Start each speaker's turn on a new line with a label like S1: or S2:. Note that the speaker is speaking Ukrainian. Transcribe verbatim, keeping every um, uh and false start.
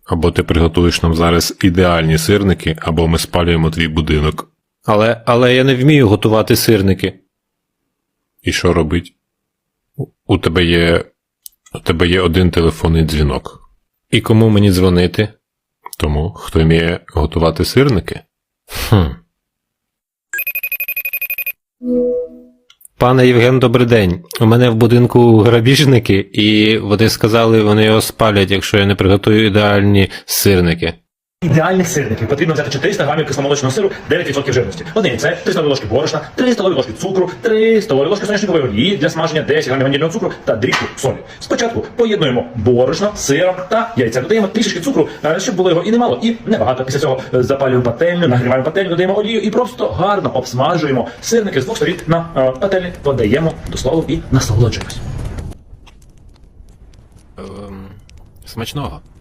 S1: Або ти приготуєш нам зараз ідеальні сирники, або ми спалюємо твій будинок.
S2: Але, але я не вмію готувати сирники.
S1: І що робить? У- У тебе є... У тебе є один телефонний дзвінок.
S2: І кому мені дзвонити?
S1: Тому, хто вміє готувати сирники?
S2: Хм. Пане Євген, добрий день. У мене в будинку грабіжники, і вони сказали, вони його спалять, якщо я не приготую ідеальні сирники.
S3: Ідеальних сирників потрібно взяти чотириста грамів кисломолочного сиру, дев'ять відсотків жирності. Одне яйце, три столові ложки борошна, три столові ложки цукру, три столові ложки соняшникової олії для смаження, десять грамів ванільного цукру та дрібку солі. Спочатку поєднуємо борошно, сиром та яйця. Додаємо трішечки цукру, е, щоб було його і немало, і небагато. Після цього е, запалюємо пательню, нагріваємо пательню, додаємо олію і просто гарно обсмажуємо сирники з двох сторін на е, пательні, подаємо до столу і насолоджуємось.
S1: Ем, смачного.